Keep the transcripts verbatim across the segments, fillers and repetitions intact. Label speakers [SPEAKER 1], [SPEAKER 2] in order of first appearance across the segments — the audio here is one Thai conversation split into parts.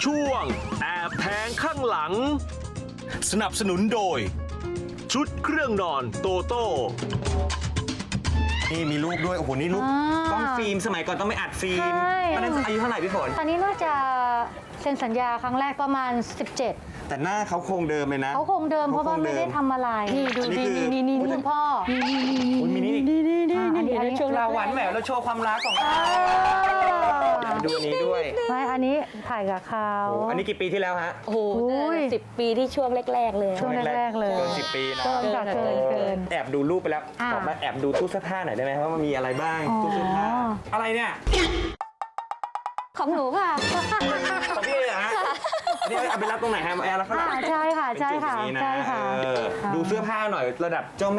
[SPEAKER 1] ช่วงแอบแทงข้างหลัง
[SPEAKER 2] สนับสนุนโดย
[SPEAKER 1] ชุดเครื่องนอนโตโต้
[SPEAKER 2] นี่มีรูปด้วย โอ้โห นี่รูป
[SPEAKER 3] อ่าก
[SPEAKER 2] ล้องฟิล์มสมัยก่อนต้องไม่อัดฟิล์ม
[SPEAKER 3] ใช่
[SPEAKER 2] ตอนนั้นอายุเท่าไหร่พี่ฝน
[SPEAKER 3] ตอนนี้น่าจะเซ็นสัญญาครั้งแรกประมาณ สิบเจ็ด
[SPEAKER 2] แต่หน้าเขาคงเดิมเลยนะ
[SPEAKER 3] เขาคงเดิมเพราะว่าไม่ได้ทำอะไร นี่ดู
[SPEAKER 2] อันนี้
[SPEAKER 3] นี่
[SPEAKER 2] คือ
[SPEAKER 3] นี่นี่คุณพ่อ
[SPEAKER 2] คุณมินี่
[SPEAKER 3] อ่าอันนี้อันนี้ช่วง
[SPEAKER 2] เราหวานแหววเราโชว์ความรักของเราดูอันนี้ด้วย
[SPEAKER 3] ไม่อันนี้ถ่ายกับเขา
[SPEAKER 2] โอ้อันนี้กี่ปีที่แล้วฮะ
[SPEAKER 4] โอ้โห
[SPEAKER 3] อุ้ย
[SPEAKER 4] สิบปีที่ช่วงแรก ๆ เลย
[SPEAKER 3] ช่วงแรกๆเลย
[SPEAKER 2] เกินสิบปีนะ
[SPEAKER 3] เกินค่ะเกินเกิน
[SPEAKER 2] แอบดูรูปไปแล้ว
[SPEAKER 3] อ่า
[SPEAKER 2] ขอมาแอบดูตู้เสื้อผ้าหน่อยได้ไหมว่ามันมีอะไรบ้าง
[SPEAKER 3] อ๋อ
[SPEAKER 2] ตู้เสื้อผ้าอะไรเนี่ย
[SPEAKER 4] ของหนูค่ะ
[SPEAKER 2] ของพี่เอ๋เหรอฮะอันนี้เอาไปรับตรงไหนฮะมาแอร์แล้วข้างหลัง
[SPEAKER 3] อ่าใช่ค่ะใช่ค่ะ
[SPEAKER 2] เป็นจุดอย่างนี้น
[SPEAKER 3] ใช่ค่ะ
[SPEAKER 2] เออดูเสื้อผ้าหน่อยระดับเจ้าแม่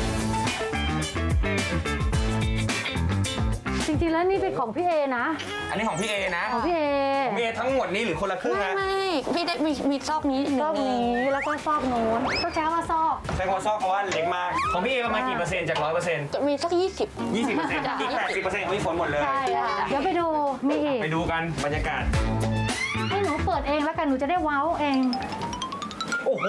[SPEAKER 3] จริงๆแล้วนี่เป็นของพี่เอนะ
[SPEAKER 2] อันนี้ของพี่เอนะ
[SPEAKER 3] ของพี่เอ
[SPEAKER 2] ของพี่เอทั้งหมดนี้หรือคนละครึ่ง
[SPEAKER 4] ไม่
[SPEAKER 2] ฮะ
[SPEAKER 4] ไม่พี่ได้มีมีซอกนี้หนึ่ง
[SPEAKER 3] ซอกนี้แล้วก็ซอกโน้นก็ใช้ว่าซอก
[SPEAKER 2] ใช้คำว่าซอกเพราะว่าเล็กมาก ของพี่เอประมาณกี่เปอร์เซ็นต์จากร้อยเปอร์เซ็นต์
[SPEAKER 4] มีสักยี่สิบ
[SPEAKER 2] ยี่สิบเปอร์เซ็นต์อีกแปดสิบเปอร์เซ็นต์ของพี่ฝนหมดเลย
[SPEAKER 3] ใช่ค่ะเดี๋ยวไปดูมีอีก
[SPEAKER 2] ไปดูกันบรรยากาศ
[SPEAKER 3] ให้หนูเปิดเองแล้วกันหนูจะได้ว้าวเอง
[SPEAKER 2] โอ้โห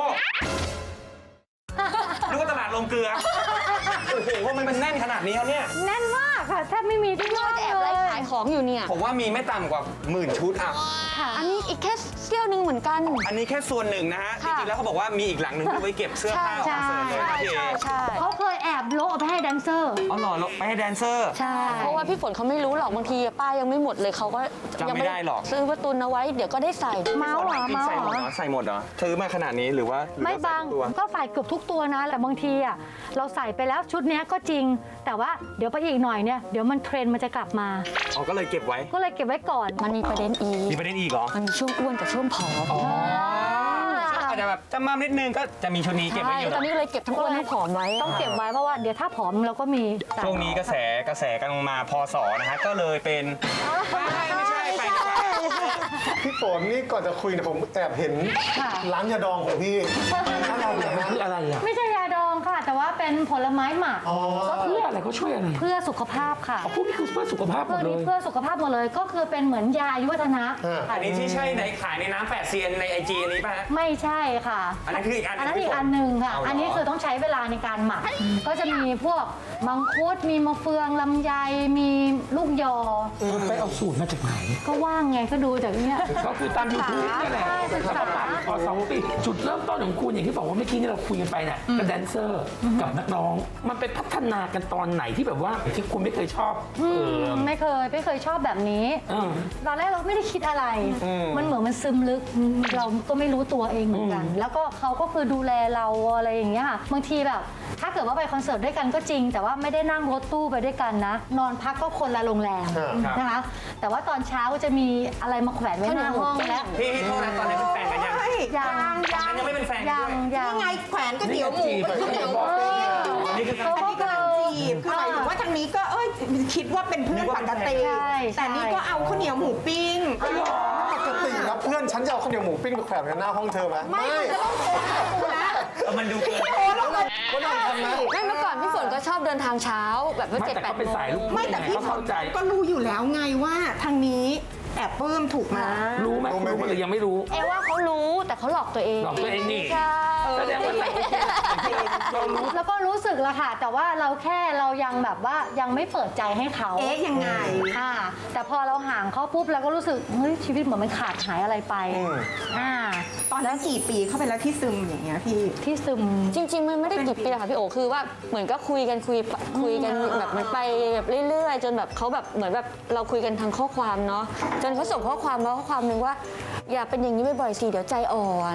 [SPEAKER 2] นึกว่าตลาดลงเกลือ โอ้โหว่ามันเป็นแน่นขนาดนี้แล้วเนี่ย
[SPEAKER 3] แน่นมากค่ะแทบไม่มีที่ว่าง
[SPEAKER 4] แอบ
[SPEAKER 3] เล
[SPEAKER 4] ไล่
[SPEAKER 3] ย
[SPEAKER 4] ขายของอยู่เนี่ย
[SPEAKER 2] ผมว่ามีไม่ต่ำกว่าหมื่นชุดอ่ะ
[SPEAKER 3] ค่ะ
[SPEAKER 4] อันนี้อีกแค่เสี้ยวหนึ่งเหมือนกัน
[SPEAKER 2] อันนี้แค่ส่วนหนึ่งนะฮะ จ
[SPEAKER 4] ค่ะ
[SPEAKER 2] ริงๆแล้วเขาบอกว่ามีอีกหลังหนึ่งที่ไว้เก็บเสื้อผ้าของคอนเสิร์ตเลย
[SPEAKER 4] ใช่
[SPEAKER 2] นะพี่เอ
[SPEAKER 4] ใช่ใช่
[SPEAKER 3] เขาเคยแอบโละเอาไปให้แดนเซอร์
[SPEAKER 2] อ๋อเหรอแล้วไปให้แดนเซอร์
[SPEAKER 3] ใช่
[SPEAKER 4] เพราะว่าพี่ฝนเขาไม่รู้หรอกบางทีป้ายังไม่หมดเลยเขาก็
[SPEAKER 2] จำไม่ได้หรอก
[SPEAKER 4] ซื้อประตุนเอาไว้เดี๋ยวก็ได้ใส่
[SPEAKER 3] เมาส์เหรอเมาส์
[SPEAKER 2] ใส่
[SPEAKER 3] เห
[SPEAKER 2] หม
[SPEAKER 3] ร
[SPEAKER 2] ด
[SPEAKER 3] อ
[SPEAKER 2] เหรอใส่หมดเหรอซื้อมาขนาดนี้หรือว่าหรือ
[SPEAKER 3] ไม่
[SPEAKER 2] ว่าใส่
[SPEAKER 3] บาง
[SPEAKER 2] ทุกตัว
[SPEAKER 3] ก็ใส่เกือบทุกตัวนะ แต่บางทีอ่ะเราใส่ไปแล้วชุดเนี้ยก็จริง แต่ว่าเดี๋ยวไปอีกหน่อยเนี่ยเดี๋ยวมันเทรนด์มันจะกลับมา
[SPEAKER 2] อ๋อก็เลยเก็บไว้
[SPEAKER 3] ก็เลยเก็บไว้ก่อน
[SPEAKER 4] มันมีประเด็นอีก
[SPEAKER 2] มีประเด็นอีกเหรอ
[SPEAKER 4] มันมีช่วงอ้วนกับช่วงผอม
[SPEAKER 2] อาจจะแบบจำมานิดนึงก็จะมีชุดนี้เก็บไว้
[SPEAKER 4] ใช่
[SPEAKER 2] อยู่
[SPEAKER 4] ตอนนี้เลยเก็บทั้งอ้วนทั้งผอมไว้
[SPEAKER 3] ต้องเก็บไว้เพราะว่าเดี๋ยวถ้าผอมเราก็มีใส่
[SPEAKER 2] ช่วงนี้กระแสกระแสกำลังมาพศนะฮะก็เลยเป็นไม่ไม่ใช่ไปดีกว่า
[SPEAKER 5] พี่ฝนนี่ก่อนจะคุยเนี่ยผมแอบเห็น
[SPEAKER 3] ค่ะ
[SPEAKER 5] ร้านยาดองของพี่อะไรเนี่ยฮะ
[SPEAKER 6] คืออะไรอ่ะ
[SPEAKER 3] ไม่ใช่ยาดองค่ะ แต่ว่าเป็นผลไม้หมัก
[SPEAKER 5] อ๋อ
[SPEAKER 6] เพื่ออะไรเขาช่วยอะไร
[SPEAKER 3] เพื่อสุขภาพค่ะ
[SPEAKER 6] พวกนี้คือเพื่อสุขภาพหม
[SPEAKER 3] เพื่อ
[SPEAKER 6] ดเล
[SPEAKER 3] นี้
[SPEAKER 6] ย
[SPEAKER 3] เพื่อสุขภาพหมดเลยก็คือเป็นเหมือนยาอายุวัฒนะ
[SPEAKER 5] อ่า
[SPEAKER 2] อันนี้ที่ใช่ในขายในน้ำแปดเซียนในไอจีอันนี้ป่ะฮะ
[SPEAKER 3] ไม่ใช่ค่ะ
[SPEAKER 2] อันนั้นคืออีกอันหนึ่ง
[SPEAKER 3] อันนั้นอี
[SPEAKER 2] พี่
[SPEAKER 3] ก
[SPEAKER 2] ฝน
[SPEAKER 3] อันหนึ่งค่ะ
[SPEAKER 2] เอาเหรออั
[SPEAKER 3] อันนี้คือต้องใช้เวลาในการหมัก ก็จะมีพวกมังคุด มีมะเฟืองลำไย มีลูกยอ
[SPEAKER 6] ไปเอาสูตรมาจากไหน
[SPEAKER 3] ก็ว่างไงก็ดูจากเนี้ย
[SPEAKER 6] ก็คือตามยูทูบนี่แหละ
[SPEAKER 3] ใช่ศึกษา
[SPEAKER 6] แล้วก็ตามพอสองปีจุดเริ่มต้นของคุณอย่างที่บอกว่าเมื่อกี้ที่เราคุยกันไปเนี่ยกับแดนเซอร์กับนักร้อง มันไปพัฒนากันตอนไหนที่แบบว่าที่คุณไม่เคยชอบเออ
[SPEAKER 3] ไม่เคยไม่เคยชอบแบบนี้
[SPEAKER 6] เออ
[SPEAKER 3] ตอนแรกเราไม่ได้คิดอะไร มันเหมือนมันซึมลึก เราก็ไม่รู้ตัวเองเหมือนกัน แล้วก็เขาก็คือดูแลเราอะไรอย่างเงี้ยค่ะ บางทีแบบ ถ้าเกิดว่าไปคอนเสิร์ตด้วยกันก็จริง แต่ว่าไม่ได้นั่งรถตู้ไปด้วยกันนะ นอนพักก็คนละโรงแรมนะคะ แต่ว่าตอนเช้าก็จะมีอะไรมาแขวนไว้หน้าห้องแล้ว
[SPEAKER 2] พี่พี่โทษนะตอนนี้เป็นแฟนกันยัง
[SPEAKER 3] ยังยัง
[SPEAKER 2] ยังไม่เป็นแฟนกัน
[SPEAKER 3] ยั
[SPEAKER 2] ด้
[SPEAKER 3] ง
[SPEAKER 2] วย
[SPEAKER 3] ยัง
[SPEAKER 7] นี่ไงแขวนก๋วยเตี๋ยวหมูก๋วยเตี๋ยวหมู
[SPEAKER 2] อันนี้คือการ
[SPEAKER 3] เขาก็
[SPEAKER 7] กำลังจีบคือหมายถึงว่าทางนี้ก็เอ้ยคิดว่าเป็นเพื่อนปกติ
[SPEAKER 3] ใช่
[SPEAKER 7] แต่นี่ก็เอาข้าวเหนียวหมูปิ้ง
[SPEAKER 5] ปกติแล้วเพื่อนฉันจะเอาข้าวเหนียวหมูปิ้งไปแขวนกันหน้าห้องเธอไหม
[SPEAKER 7] ไม่มันจะต้องโทรหากูนะ
[SPEAKER 2] เออมันดูเกิน
[SPEAKER 7] โทรแล้วก็
[SPEAKER 5] ก็นั่งทำนะ
[SPEAKER 4] ไม่เมื่อก่อนพี่ฝนก็ชอบเดินทางเช้าแบบว่า
[SPEAKER 6] ไม่
[SPEAKER 4] เจ็ด
[SPEAKER 6] แต่
[SPEAKER 4] แปด
[SPEAKER 6] เขาเป็น
[SPEAKER 4] โม
[SPEAKER 6] สาย
[SPEAKER 4] ง
[SPEAKER 6] ลูก
[SPEAKER 7] ไม่แต่พี่
[SPEAKER 6] เขา
[SPEAKER 7] ฝ
[SPEAKER 6] เข้านใจ
[SPEAKER 7] ก็รู้อยู่แล้วไงว่าทางนี้แอบปลื้มถูกมา
[SPEAKER 6] รู้ไหม
[SPEAKER 5] รู้ไหม
[SPEAKER 6] รู้ไหมหรือยังไม่รู้
[SPEAKER 4] เอว่าเขารู้แต่เขาหลอกตัวเอง
[SPEAKER 6] หลอกตัวเองนี่
[SPEAKER 4] ใช่
[SPEAKER 6] แสดงว่าเรารู้
[SPEAKER 3] แล้วก็รู้สึกละค่ะ แต่ว่าเราแค่เรายังแบบว่ายังไม่เปิดใจให้เขา
[SPEAKER 7] เอ๊ะยังไง
[SPEAKER 3] อ่าแต่พอเราห่างเขาปุ๊บเราก็รู้สึกเฮ้ยชีวิตเหมือนมันขาดหายอะไรไปอ่า
[SPEAKER 7] ตอนนั้นกี่ปีเข้าไปแล้วที่ซึมอย่างเงี้ยพี่
[SPEAKER 3] ที่ซึม
[SPEAKER 4] จริง ๆ มันไม่ได้กี่ปีหรอกค่ะพี่โอคือว่าเหมือนก็คุยกันคุยคุยกันแบบมันไปแบบเรื่อยๆ จนแบบเขาแบบเหมือนแบบเราคุยกันทางข้อความเนาะจนเขาส่งข้อความมาข้อความหนึ่งว่า อย่าเป็นอย่างนี้บ่อยๆสิเดี๋ยวใจอ่อน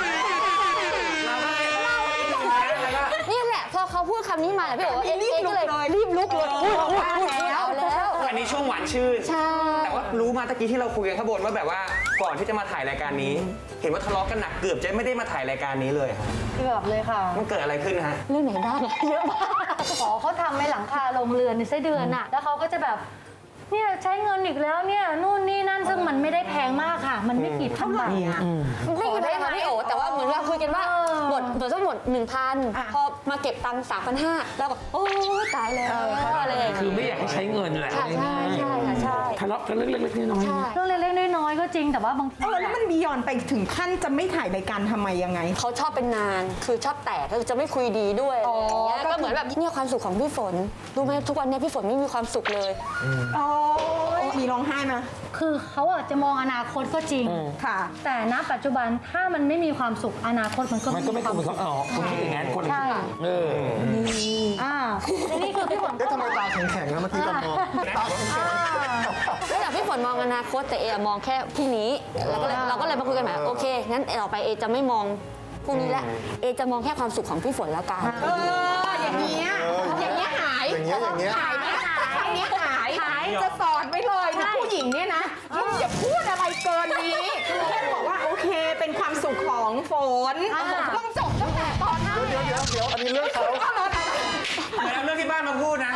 [SPEAKER 4] นี่แหละพอเขาพูดคำนี้มาแหละพี่โอเอ๊ะเอ๊ะก็เลยรีบลุกเลยพูดพูดพูดเอาแล้ว
[SPEAKER 2] อันนี้ช่วงหวานชื่น
[SPEAKER 4] ใช่
[SPEAKER 2] แต่ว่ารู้มาตะกี้ที่เราคุยกันข้างบนว่าแบบว่าก่อนที่จะมาถ่ายรายการนี้ เห็นว่าทะเลาะกันหนักเกือบจะไม่ได้มาถ่ายรายการนี้เลยครับ
[SPEAKER 3] เกือบเลยค่ะ
[SPEAKER 2] มันเกิดอะไรขึ้นฮะ
[SPEAKER 4] เรื่องไหนบ้างเยอะมาก
[SPEAKER 3] ขอเขาทำในหลังคาโรงเรือนในไส้เดือนอะแล้วเขาก็จะแบบเนี่ยใช้เงินอีกแล้วเนี่ยนู่นนี่นั่นซึ่งมันไม่ได้แพงมากค่ะ มันไม่กี่พันบาทอะ
[SPEAKER 4] ไม่กี่พันค่ะพี่โอแต่ว่าเหมือนเราคุยกันว่า
[SPEAKER 3] เออ
[SPEAKER 4] หมดหมดทั้งหมดหนึ่งพันพอมาเก็บตังค์สามพันห้าแล้วก็โอ้ตายแล้วอะไรอย่าง
[SPEAKER 6] คือ
[SPEAKER 4] เงี้ย
[SPEAKER 6] ไม่อยากให้ใช้เงินแหละ
[SPEAKER 4] ค่ะใช่ใช่ค่ะใช่
[SPEAKER 6] ทะเลาะกันเรื่องเล็กๆน้อยๆ
[SPEAKER 3] เรื่องเล็กๆน้อยๆก็จริงแต่ว่าบางที
[SPEAKER 7] เออแล้วมันบียอนไปถึงขั้นจะไม่ถ่ายรายการทำไมยังไง
[SPEAKER 4] เขาชอบเป็นนานคือชอบแตกก็จะไม่คุยดีด้วยอะไรอย่างเงี้ย
[SPEAKER 7] อ๋อ
[SPEAKER 4] ก็เหมือนแบบเนี่ยความสุขของพี่ฝนรู้ไหมทุกวันเนี้พี่ฝนไม่มีความสุขเลย
[SPEAKER 7] โอ้ยมีร้องไห้มา
[SPEAKER 3] คือเขาอะจะมองอนาคตก็จริง
[SPEAKER 7] ค่ะ
[SPEAKER 3] แต่ณปัจจุบันถ้ามันไม่มีความสุขอนาคตมันก็
[SPEAKER 6] มันก็ไม่
[SPEAKER 3] ควา
[SPEAKER 6] ควร
[SPEAKER 3] ม
[SPEAKER 6] เป็น
[SPEAKER 3] สุ
[SPEAKER 6] เขา
[SPEAKER 3] ข
[SPEAKER 6] อ๋อคุณคิดอย่างนั้นคนละ
[SPEAKER 3] ใช่
[SPEAKER 6] เออ
[SPEAKER 3] อ่าและนี่คือพี่ฝน
[SPEAKER 5] เอ๊ะทำไมตาแข็งๆนะเมื่อกี้ตอนมองตาแข็ง
[SPEAKER 4] แล้วแต่พี่ฝนมองอนาคตแต่เออะมองแค่พรุ่งนี้เราก็เลยเราก็เลยมาคุยกันใหม่โอเคงั้นต่อไปเอจะไม่มองพรุ่งนี้ละเอจะมองแค่ความสุขของพี่ฝนแล้วกัน
[SPEAKER 7] เออ อย่างเงี้ย อย่างเงี้ยหาย
[SPEAKER 5] อย่างเงี้ยอย่างเงี้ย
[SPEAKER 7] หายไหมอย่างเงี้ยหายหายจะสอนไปเลยนะผู้หญิงเนี่ยนะอย่าพูดอะไรเกินนี้คือแค่บอกว่าโอเคเป็นความสุขของฝนต้องจบตั้งแต่ตอนนั้น
[SPEAKER 5] เดี๋ยวเดี๋ยวเดี๋ยวอันนี้เรื่องเขา
[SPEAKER 2] เหมือนเอาเรื่องที่บ้านมาพูดนะ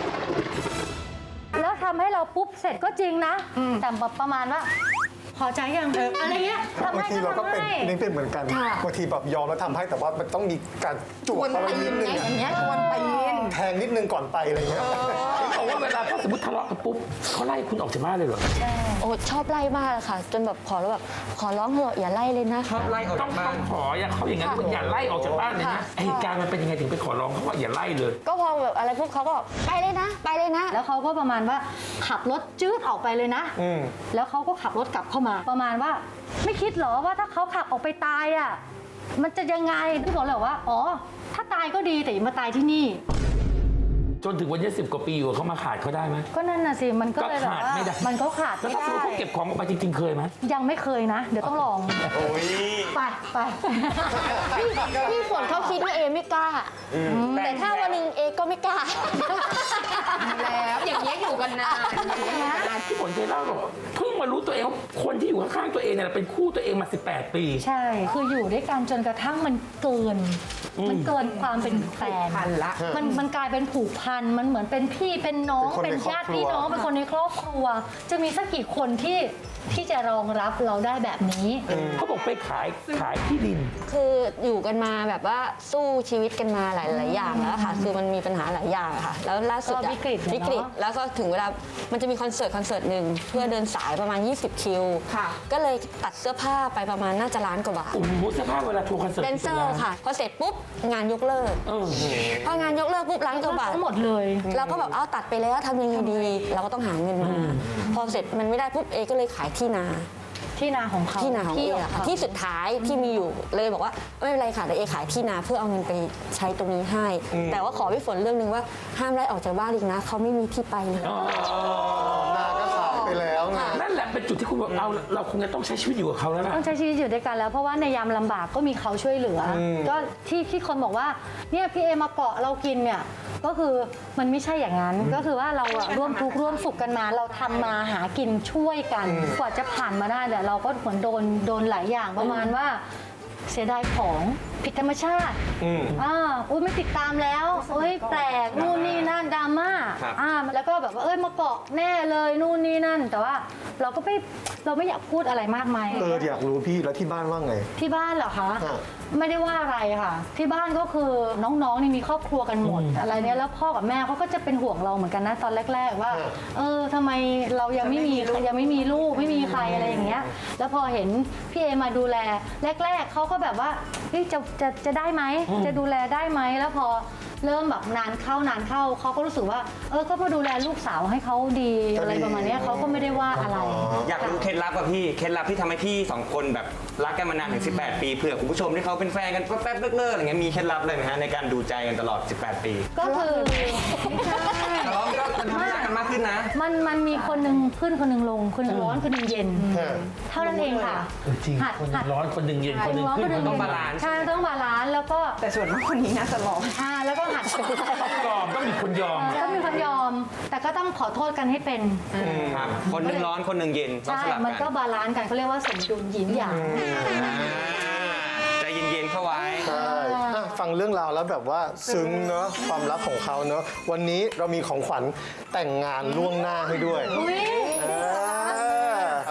[SPEAKER 3] แล้วทำให้เราปุ๊บเสร็จก็จริงนะ แต่แบบประมาณว่า พอใจยังอะไรเงี้ยทำ
[SPEAKER 5] บาง
[SPEAKER 3] ให้
[SPEAKER 5] ที
[SPEAKER 3] ก็
[SPEAKER 5] เราก็
[SPEAKER 3] ทำ
[SPEAKER 5] เป็น
[SPEAKER 3] ให้
[SPEAKER 5] นี่เป็นเหมือนกันบางทีแบบยอมแล้วทำให้แต่ว่ามันต้องมีการจ
[SPEAKER 7] ก
[SPEAKER 5] ว
[SPEAKER 7] ว
[SPEAKER 5] ด
[SPEAKER 7] น
[SPEAKER 5] เขา
[SPEAKER 7] ตี
[SPEAKER 5] ไว้นิ
[SPEAKER 7] น
[SPEAKER 5] ดนึง
[SPEAKER 7] ไง
[SPEAKER 5] อะ
[SPEAKER 7] อย่างเงี้ยกวนตีน
[SPEAKER 5] แทงนิดนึงก่อนไปอะไรเงี้ย
[SPEAKER 6] เขาบอกว่าเวลาถ้าสมมติทะเลาะกันปุ๊บเขาไล่คุณออกจากบ้านเลยเหรอ
[SPEAKER 4] โอ้ชอบไล่มากเลยค่ะ จนแบบขอแล้วแบบขอร้องเถอะอย่าไล่เลยนะ
[SPEAKER 2] ชอบไล่ออก
[SPEAKER 6] ต้อ
[SPEAKER 2] จาง กบ้า
[SPEAKER 6] ต้อน งขออย่าเขาอย่างนั้นว่าอย่าไล่ออกจากบ้านเลยนะเหตุการณ์มันเป็นยังไงถึงไปขอร้องเขาว่าอย่าไล่เลย
[SPEAKER 4] ก็พอแบบอะไรพวกเขาก็บอกไปเลยนะ ไปเลยนะ
[SPEAKER 3] แล้วเขาก็ประมาณว่าขับรถจืดออกไปเลยนะ
[SPEAKER 5] อืม
[SPEAKER 3] แล้วเขาก็ขับรถกลับเข้ามา ประมาณว่าไม่คิดเหรอว่าถ้าเขาขับออกไปตายอ่ะมันจะยังไงพี่บอกเลยว่าอ๋อถ้าตายก็ดีแต่อย่ามาตายที่นี่
[SPEAKER 6] จนถึงวันนี้สิบกว่าปีอยู่เขามาขาดเขาได้ไหม
[SPEAKER 3] ก็นั่นน่ะสิมันก็เลยแบบ
[SPEAKER 6] ขาด
[SPEAKER 3] ว่า
[SPEAKER 6] ไม่ได้
[SPEAKER 3] มันก็ขาด
[SPEAKER 6] แล้ว
[SPEAKER 3] ไม่
[SPEAKER 6] ถ้าสมม
[SPEAKER 3] ได้
[SPEAKER 6] ติเขาเก็บของออกไปจริงๆเคยไหม
[SPEAKER 3] ยังไม่เคยนะ เดี๋ยวต้องลอง
[SPEAKER 2] โอ้ย
[SPEAKER 3] ไปไป
[SPEAKER 4] พี่พี่ฝนเขาคิดว่าเอไม่กล้า แต่ถ้าวันหนึ่งเอก็ไม่กล้า
[SPEAKER 7] แล้วอย่างเงี้ยอยู่กันนานอย่างเงี้ยอยู่กันนาน
[SPEAKER 6] ที่ฝนเคยเล่าบอกเพิ่งมารู้ตัวเองว่าคนที่อยู่ข้างๆตัวเองเนี่ยเป็นคู่ตัวเองมาสิบแปดปี
[SPEAKER 3] ใช่ คืออยู่ด้วยกันจนกระทั่งมันเกิน มันเกินความเป็นแฟน
[SPEAKER 7] พันละ
[SPEAKER 3] มันมันกลายเป็นผูกพัน มันเหมือนเป็นพี่เป็นน้อง
[SPEAKER 5] เป็นคนใน
[SPEAKER 3] เป็นญาติพี่น้อง
[SPEAKER 5] ครอบครัว
[SPEAKER 3] เป็นคนในครอบครัว จะมีสักกี่คนที่ที่จะรองรับเราได้แบบนี้
[SPEAKER 6] เขาบอกไปขายขายที่ดิน
[SPEAKER 4] คืออยู่กันมาแบบว่าสู้ชีวิตกันมาหลาย ๆ อย่างแล้วค่ะ คือมันมีปัญหาหลายอย่างอะค่ะ แล้วล่าสุด
[SPEAKER 3] ก็
[SPEAKER 4] อะ
[SPEAKER 3] วิกฤตอะเนอะ
[SPEAKER 4] วิกฤต แล้วก็ถึงเวลา มันจะมีคอนเสิร์ตคอนเสิร์ตหนึ่งเพื่อเดินสายประมาณ ยี่สิบ คิว
[SPEAKER 7] ค่ะ
[SPEAKER 4] ก็เลยตัดเสื้อผ้าไปประมาณน่าจะล้านกว่าบาท
[SPEAKER 6] โอ้โหเสื้อผ้าเวลาทัวร์คอนเสิร์ต
[SPEAKER 4] แดนเซอร์ค่ะ พอเสร็จปุ๊บงานยกเลิก
[SPEAKER 6] เออ
[SPEAKER 4] พองานยกเลิกปุ๊บล้านกว่าบาท
[SPEAKER 3] ทั้งหมดเลย
[SPEAKER 4] เราก็แบบเอาตัดไปแล้วทำยังไงดี เราก็ต้องหาเงินมา พอเสร็จมันไม่ได้ปุ๊บเอก็เลยขายที่นา
[SPEAKER 3] ที่นาของเขา
[SPEAKER 4] ที่นาของเออะค่ะที่สุดท้ายที่มีอยู่เลยบอกว่าไม่เป็นไรค่ะแต่เอขายที่นาเพื่อเอาเงินไปใช้ตรงนี้ให้ แต่ว่าขอพี่ฝนเรื่องหนึงว่าห้ามไล่ออกจากบ้านอีกนะเขาไม่มีที่ไปเลย
[SPEAKER 5] นาก็ขายไปแล้วไง
[SPEAKER 6] นั่นแหละเป็นจุดที่คุณบอกเราเราคงจะต้องใช้ชีวิตอยู่กับเขาแล้วล่ะ
[SPEAKER 3] ต้องใช้ชีวิตอยู่ด้วยกันแล้วเพราะว่าในยามลำบากก็มีเขาช่วยเหลืออก็ที่ที่คนบอกว่าเนี่ยพี่เอมาเกาะเรากินเนี่ยก็คือมันไม่ใช่อย่างนั้น ก็คือว่าเราอะร่วมทุกข์ร่วมสุขกันมา เราทำมาหากินช่วยกัน กว่าจะผ่านมาได้แต่เราก็เหมือนโดนโดนหลายอย่างประมาณว่าเสียดายของผิดธรรมชาติอ่าอุ้ยไม่ติดตามแล้วเอ้ยแปลกนู่นนี่นั่นดราม่า
[SPEAKER 2] ครับ
[SPEAKER 3] อ่าแล้วก็แบบว่าเอ้ยมาเกาะแน่เลยนู่นนี่นั่น แต่ว่าเราก็ไม่เราไม่อยากพูดอะไรมากมาย
[SPEAKER 5] เอออยากรู้พี่แล้วที่บ้านว่าไง
[SPEAKER 3] ที่บ้านเหรอคะ
[SPEAKER 5] ฮะ
[SPEAKER 3] ไม่ได้ว่าอะไรค่ะ ที่บ้านก็คือน้องๆนี่มีครอบครัวกันหมด อะไรเนี้ยแล้วพ่อกับแม่เขาก็จะเป็นห่วงเราเหมือนกันนะตอนแรก ๆ ว่า เออทำไมเรายังไม่มียังไม่มีลูกไม่มีใครอะไรอย่างเงี้ย แล้วพอเห็นพี่เอมาดูแลแรก ๆเขาก็แบบว่าเฮ้ยจะจะจะได้ไหมจะดูแลได้ไหมแล้วพอเริ่มแบบนานเข้านานเข้าเขาก็รู้สึกว่า เออก็มาดูแลลูกสาวให้เขาดีอะไรประมาณเนี้ยเขาก็ไม่ได้ว่าอะไร
[SPEAKER 2] อยากรู้เคล็ดลับอะพี่ เคล็ดลับที่ทำให้พี่สองคนแบบรักกันมานานถึงสิบแปดปีเผื่อคุณผู้ชมที่เขาเป็นแฟนกันแป๊บๆเลิกๆอะไรเงี้ยมีเคล็ดลับเลยไหมฮะในการดูใจกันตลอดสิบแปดปี
[SPEAKER 3] ก็คือไม่ใช่
[SPEAKER 2] ทะเลาะก็มันทำให้รักกันมากขึ้นนะ
[SPEAKER 3] มันมันมีคนหนึ่งขึ้นคนหนึ่งลง คนหนึ่งร้อนคนหนึ่งเย็น เท่านั้นเองค่ะ
[SPEAKER 6] จริง
[SPEAKER 3] หัด
[SPEAKER 6] คนหนึ่
[SPEAKER 3] หั
[SPEAKER 6] ง
[SPEAKER 3] ด
[SPEAKER 6] ร้อนคนหนึ่งเย็นคนหนึ่งขึ้น
[SPEAKER 3] ร้
[SPEAKER 2] ต้องบาลานซ์
[SPEAKER 3] ใช่ต้องบาลานซ์แล้วก็
[SPEAKER 7] แต่ส่วนมากคนนี้น่าจะร้อง
[SPEAKER 3] อ่าแล้วก็หัด
[SPEAKER 6] ยอมต้องมีคนยอม
[SPEAKER 3] ต้องมีคนยอม แต่ก็ต้องขอโทษกันให้เป็น
[SPEAKER 2] ครับคนหนึ่งร้อนคนหนึ่งเย็นต้อง
[SPEAKER 3] ใช่
[SPEAKER 2] สลับ
[SPEAKER 3] มันก็
[SPEAKER 2] กัน
[SPEAKER 3] บาลานซ์กันเขาเรียกว่าสมดุลหยินหยาง
[SPEAKER 2] อ่าใจเย็นๆเข้าไว้
[SPEAKER 5] ใช่อ่ะฟังเรื่องราวแล้วแบบว่าซึ้งเนอะความรักของเขาเนอะวันนี้เรามีของขวัญแต่งงานล่วงหน้าให้ด้วย
[SPEAKER 3] อุ้ย
[SPEAKER 5] เออ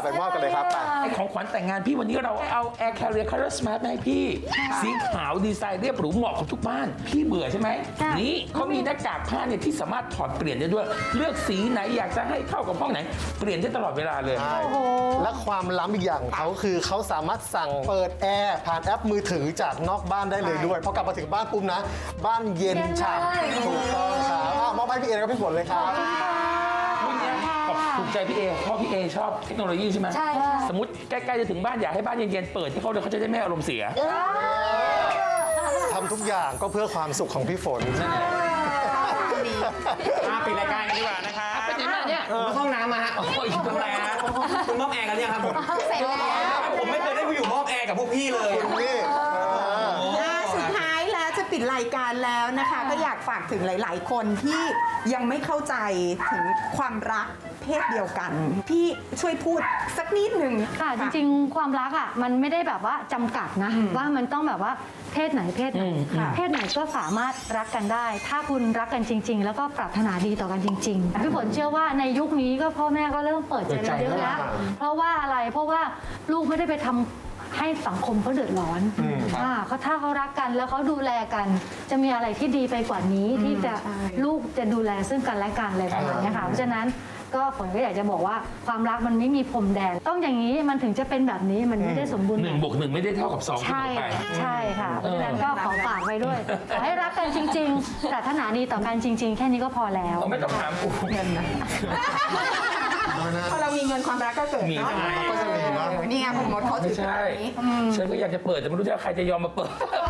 [SPEAKER 5] ไปมอบกันเลยครับไป
[SPEAKER 6] ไอของขวัญแต่งงานพี่วันนี้เราเอา Air Carrier Color Smart มาให้พี่ สีขาวดีไซน์เรียบหรูเหมาะกับทุกบ้าน พี่เบื่อใช่ไหม
[SPEAKER 3] ค่ะ
[SPEAKER 6] นี่เขามีหน้ากากผ้าเนี่ยที่สามารถถอดเปลี่ยนได้ด้วย เลือกสีไหนอยากจะให้เข้ากับห้องไหน เปลี่ยนได้ตลอดเวลาเลย
[SPEAKER 5] ใช่และความล้ำอีกอย่างของเขาคือเขาสามารถสั่งเปิดแอร์ผ่านแอปมือถือจากนอกบ้านได้เลยด้วยพอกลับมาถึงบ้านปุ๊บนะ บ้านเย็นฉ่ำถูกต้องครับอ่ะมอบให้พี่เอแล้วก็พี่ฝนเลยครับ
[SPEAKER 6] รุ่นเนี้ยขอบถูกใจพี่เอเพราะพี่เอชอบเทคโนโลยีใช่ไหม
[SPEAKER 4] ใช่ค่ะ
[SPEAKER 6] สมมติใกล้ๆจะถึงบ้านอยากให้บ้านเย็นๆเปิดให้เขาเลยเขาจะได้ไม่อารมณ์เสีย
[SPEAKER 5] ทำทุกอย่างก็เพื่อความสุขของพี่ฝน
[SPEAKER 2] มาปิดรายการกันดีกว่านะคะ
[SPEAKER 6] ไปไหนมาเนี่ย
[SPEAKER 2] ผมมาเข้าห้องน้ำมาฮะ
[SPEAKER 6] โอ้ย
[SPEAKER 2] ทำอะไรฮะคุณมอบแอร์กันยังครับผม
[SPEAKER 7] เสร็จแล้ว
[SPEAKER 2] ผมไม่เคยได้ไปอยู่มอบแอร์กับพวกพี่เลย
[SPEAKER 5] นี่
[SPEAKER 7] อ่าสุดท้ายแล้วจะปิดรายการแล้วนะคะ ก็อยากฝากถึงหลาย ๆ คนที่ยังไม่เข้าใจถึงความรักเพศเดียวกัน พี่ช่วยพูดสักนิดหนึ่ง
[SPEAKER 3] ค่ะจริงๆ ความรักอ่ะมันไม่ได้แบบว่าจำกัดนะ ว่ามันต้องแบบว่าเพศไหนเพศไหนเพศไหนก็สามารถรักกันได้ ถ้าคุณรักกันจริง ๆ แล้วก็ปรารถนาดีต่อกันจริงๆพี่ฝนเชื่อว่าในยุคนี้ก็พ่อแม่ก็เริ่มเปิดใจกันเยอะแล้วเพราะว่าอะไรเพราะว่าลูกไม่ได้ไปทำให้สังคมเขาเดือดร้อนอ่าเขาถ้าเขารักกันแล้วเขาดูแลกัน จะมีอะไรที่ดีไปกว่านี้ที่จะลูกจะดูแลซึ่งกันและกันอะไรประมาณเนี้ยค่ะเพราะฉะนั้นก็ฝนก็อยากจะบอกว่าความรักมันไม่มีพรมแดน ต้องอย่างนี้มันถึงจะเป็นแบบนี้มันไม่ได้สมบูรณ์
[SPEAKER 6] หนึ่งบวกหนึ่งไม่ได้เท่ากับสองเสม
[SPEAKER 3] ใช่
[SPEAKER 6] อไป
[SPEAKER 3] ใช่ค่ะเพราะฉะนั้นก็ขอฝากไว้ด้วยขอให้รักกันจริงๆปรารถนาดีต่อกันจริง ๆ แค่นี้ก็พอแล้ว
[SPEAKER 6] เราไม่ต้องถามกูเงินนะ
[SPEAKER 7] พอเรามีเงินความรักก็เกิด
[SPEAKER 6] มี
[SPEAKER 7] เนาะ
[SPEAKER 5] ก็จะมีเนอะ
[SPEAKER 7] เออนี่ไงผมมดเขาถื
[SPEAKER 6] ไม่
[SPEAKER 7] อ
[SPEAKER 6] ใช่
[SPEAKER 7] แบบนี้
[SPEAKER 6] ฉันก็อยากจะเปิดแต่ไม่รู้จะใครจะยอมมาเปิด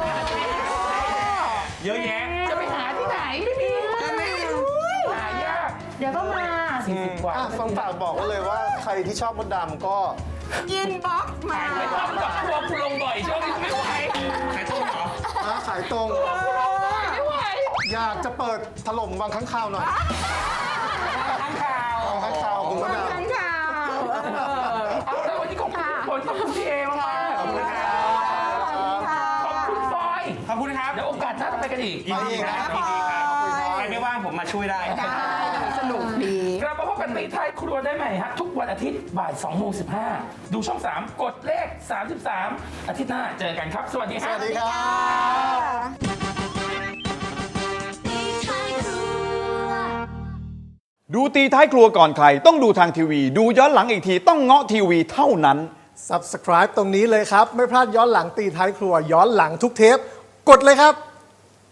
[SPEAKER 2] เยอะแยะ
[SPEAKER 6] จะไปหาที่ไหนไม่มีหายาก
[SPEAKER 3] เดี๋ยวก็มา
[SPEAKER 6] สี่สิบกว่า
[SPEAKER 5] อ่ะฟังฝากบอกไว้เลยว่าใครที่ชอบมดดำก็
[SPEAKER 7] อินบ็อกซ์มา
[SPEAKER 6] ไม่ต้องกับพวกคุณลงบ่อยช่วงนี้ไม่ไหว
[SPEAKER 2] ขายต้มเหรอ
[SPEAKER 5] อ่ะขายตรง
[SPEAKER 6] ไม่ไหว
[SPEAKER 5] อยากจะเปิดถล่มวังข้างคาวหน่อย
[SPEAKER 6] ข้างข่าว
[SPEAKER 5] วังข้างคาวคุณมดดำ
[SPEAKER 7] ทั้งข่าว
[SPEAKER 6] เอาแล้ววันนี้ขอบคุณผลขอบคุณพี่เอมากๆขอบคุณครับขอบคุณฟอย
[SPEAKER 2] ขอบคุณครับ
[SPEAKER 6] เดี๋ยวโอกาสหน้าเราไปกันอีก
[SPEAKER 2] ยินดีครับยินดีครับใครไม่ว่างผมมาช่วยได้
[SPEAKER 7] สนุกดี
[SPEAKER 6] กลับมาพบกันตีท้ายครัวได้ใหม่ฮะทุกวันอาทิตย์บ่ายสองโมงสิบห้าดูช่องสามกดเลขสามสิบสามอาทิตย์หน้าเจอกันครับ สวัสดีค
[SPEAKER 5] ส
[SPEAKER 6] รับ
[SPEAKER 5] วัสดีครับ
[SPEAKER 8] ดูตีท้ายครัวก่อนใครต้องดูทางทีวี ดูย้อนหลังอีกทีต้องเงาะทีวีเท่านั้น
[SPEAKER 5] Subscribe ตรงนี้เลยครับ ไม่พลาดย้อนหลังตีท้ายครัวย้อนหลังทุกเทป กดเลยครับ